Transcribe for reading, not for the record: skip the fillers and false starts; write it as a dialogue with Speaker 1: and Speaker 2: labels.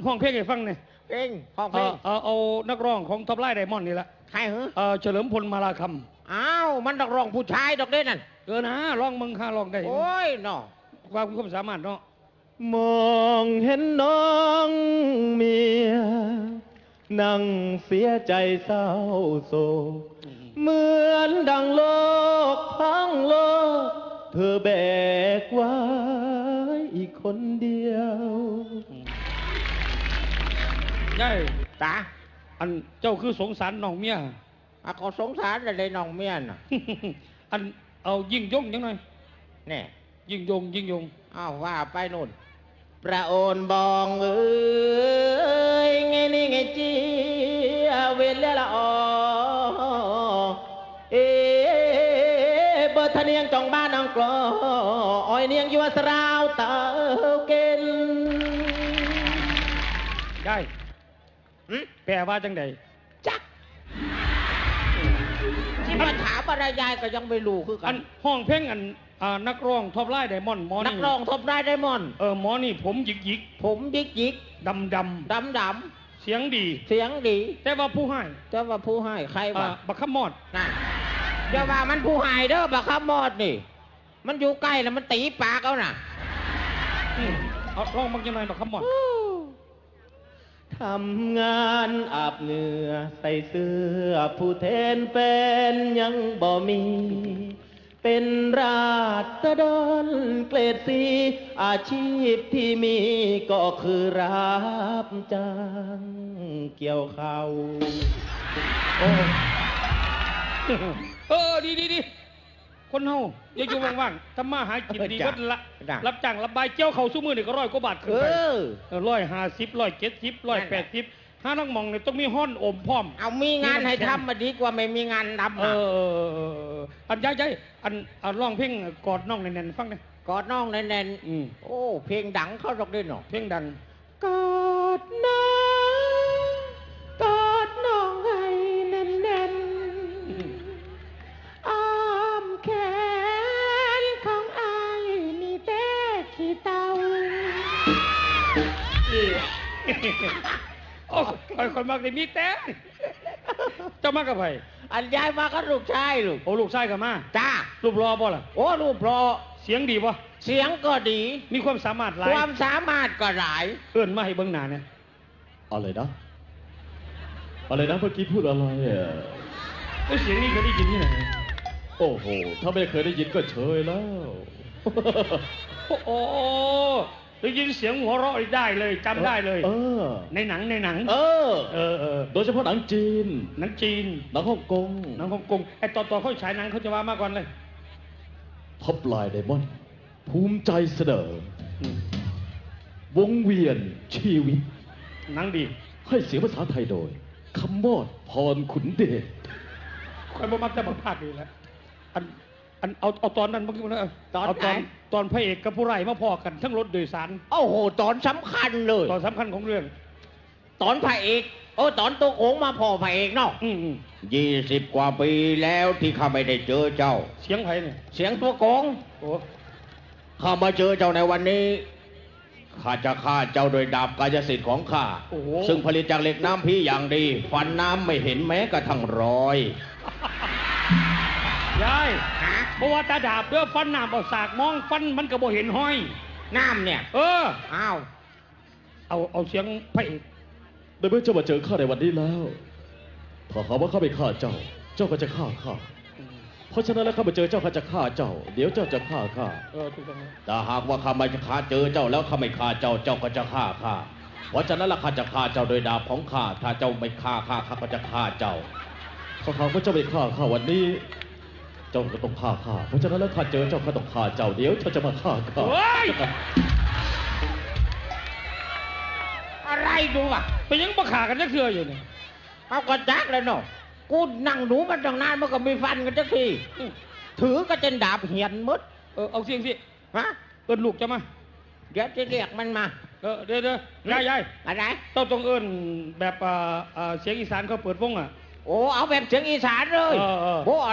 Speaker 1: ห้องเพลงให้ฟังเนี่ย
Speaker 2: เพลงห้องเพลง
Speaker 1: เอานักร้องของท็อปไลน์ไดมอนด์นี่แหละ
Speaker 2: ใครเหรอ
Speaker 1: เฉลิมพลมาลาค
Speaker 2: ำอ้าวมันนักร้องผู้ชายดอกเด่นนั่น
Speaker 1: นะร้องมึงข้าร้องได้
Speaker 2: โอ้ยเนาะ
Speaker 1: ความสามารถเนาะ
Speaker 3: มองเห็นน้องเมียนั่งเสียใจเศร้าโศกเหมือนดังโลกพังโลกเธอแบกไว้อีกคนเดียว
Speaker 1: ได้
Speaker 2: ตา
Speaker 1: อันเจ้าคือสงสารน้องเมีย
Speaker 2: ก็สงสารอะไรน้องเมียน่ะ
Speaker 1: อันเอายิ่งยงยังหน่อย
Speaker 2: เนี่ย
Speaker 1: ยิ่งยง
Speaker 2: อ้าวว่าไปนู่นประโอนบองเอ้ยไงนี่ไงจีเวลละอเบอร์ทะเนียงจองบ้านนางกลออ้อยเนียงยัวสราวเตาเกล
Speaker 1: ได้แปลว่าจังใด
Speaker 2: จักที่มาถามอะไรยายก็ยังไม่รู้คือกัน
Speaker 1: ห้องเพลงนักร้องท็อปไลน์ไดมอนด์หมอนี่
Speaker 2: นักร้องท็อปไลน์ไดมอนด์
Speaker 1: หมอนี่ผมหยิก
Speaker 2: ผมหยิก
Speaker 1: ดำเสียงดีแต่ว่าผู้ให้
Speaker 2: ใครวะ
Speaker 1: บักขมอด
Speaker 2: น่ะเดี๋ยวว่ามันผู้ให้เด้อบักขมอดนี่มันอยู่ใกล้แล้วมันตีปากเอาน่ะ
Speaker 1: เอาร้องบักยังไงบักขมอด
Speaker 3: ทำงานอาบเหงื่อใส่เสื้อผู้แทนเป็นยังบ่มีเป็นราษฎรเกรดสีอาชีพที่มีก็คือรับจ้างเกี่ยวข้าว
Speaker 1: ดีคนเฮาอย่าอยู่ว่างๆทำมาหากินดีก็ละรับจ้างรับบายเจ้าเขาสู้มือนี่ก็100 กว่าบาทขึ้นไป150 170 180ถ้าต้องมองเนี่ยต้องมีห้อนอมพร้อม
Speaker 2: เอามีงานให้ทำมาดีกว่าไม่มีงานทำ
Speaker 1: อันใหญ่อันร้องเพลงกอดน้องแน่นๆฟังเลย
Speaker 2: กอดน้องแน่นๆโอ้เพลงดังเข้าดอกด้วยเนาะ
Speaker 1: เพลงดัง
Speaker 3: กอดน้องให้แน่นๆอ้อมแขนของอายมีแต่ขี้เต่า
Speaker 1: โอ้คนมากเลยมีแต่เจ้ามากับใคร
Speaker 2: อันยายมาก็ลูกชายลูก
Speaker 1: โอ้ลูกชายกับมา
Speaker 2: จ้า
Speaker 1: รูปรอบ่ล่ะ
Speaker 2: โอ้รูปรอ
Speaker 1: เสียงดีป่ะ
Speaker 2: เสียงก็ดี
Speaker 1: มีความสามารถหลาย
Speaker 2: ความสามารถก็หลาย
Speaker 1: เอื้อนมาให้เบิ้งหน้าเนี่ย
Speaker 3: อะไรนะเมื่อกี้พูดอะไร
Speaker 1: เสียงนี้เคยได้ยินที่ไหน
Speaker 3: โอ้โหถ้าไม่เคยได้ยินก็เฉยแล้ว
Speaker 1: โอ้ได้ยินเสียงหัวเราะได้เลยจำได้เลยในหนัง
Speaker 3: โดยเฉพาะหนังจีน
Speaker 1: หนังฮ่องกงไอ้ตอนเขาฉายหนังเขาจะว่ามากกว่าเลย
Speaker 3: ท็อปไลน์ไดมอนด์ภูมิใจเสนอวงเวียนชีวิต
Speaker 1: หนังดี
Speaker 3: ให้เสียงภาษาไทยโดยคำมอดพรขุนเดช
Speaker 1: ใครบ่มักจะมาพากดีแล้วเอาตอนนั้นเมื่อกี้นะตอนพระเอกกับผู้ร้ายมาพอกันทั้งรถโดยสาร
Speaker 2: โอ้โหตอนสำคัญเลย
Speaker 1: ตอนสำคัญของเรื่อง
Speaker 2: ตอนพระเอกตอนตัวโขงมาพอพระเอกเนาะ20 กว่าปีแล้วที่ข้าไม่ได้เจอเจ้า
Speaker 1: เสียงใครเนี่ย
Speaker 2: เสียงตัวโขงข้ามาเจอเจ้าในวันนี้ข้าจะฆ่าเจ้าโดยดาบกายสิทธิ์ของข้าซึ่งผลิตจากเหล็กน้ำพีอย่างดีฟันน้ำไม่เห็นแม้กระทั่งรอย
Speaker 1: ยายเพราะว่าตาดาบเด้อฟันน้ำเอาสากมองฟันมันก็บ่เห็นห้อย
Speaker 2: น้ำเนี่ย
Speaker 1: อ้าวเอาเสียงพระเอก
Speaker 3: ได้เมื่อเจ้ามาเจอข้าในวันนี้แล้วถ้าหากว่าข้าไม่ฆ่าเจ้าก็จะฆ่าข้าเพราะฉะนั้นแล้วข้ามาเจอเจ้าข้าจะฆ่าเจ้าเดี๋ยวเจ้าจะฆ่าข้า
Speaker 2: แต่หากว่าข้าไม่ฆ่าเจอเจ้าแล้วข้าไม่ฆ่าเจ้าก็จะฆ่าข้าเพราะฉะนั้นแล้วข้าจะฆ่าเจ้าโดยดาบของข้าถ้าเจ้าไม่ฆ่าข้าก็จะฆ่าเจ้า
Speaker 3: ถ้าหากว่าเจ้าไม่ฆ่าข้าวันนี้เจ้าก็ต้องฆ่าข้าเพราะฉะนั้นแล้วข้าเจอเจ้าข้าต้องฆ่าเจ้าเดี๋ยวเจ้าจะมาฆ่าข้า
Speaker 2: อะไรดูอ่ะ
Speaker 1: ไปยังมาฆ่ากันจะเคืออยู่เนี่ย
Speaker 2: เอากระจักเลยเนาะกูนั่งดูมันตั้งนานมันก็มีฟันกันจักทีถือก็จะดาบเหียนมด
Speaker 1: เอาเสียงสิ
Speaker 2: ฮะ
Speaker 1: ลูกจะมา
Speaker 2: เดี๋ยวจะเรียกมันมา
Speaker 1: เดี๋ยวยาย
Speaker 2: อะไร
Speaker 1: ต้องแบบเสียงอีสานเขาเปิดวงอ่ะ
Speaker 2: โอ้เอาแบบเสียงอีสานเลยโอ้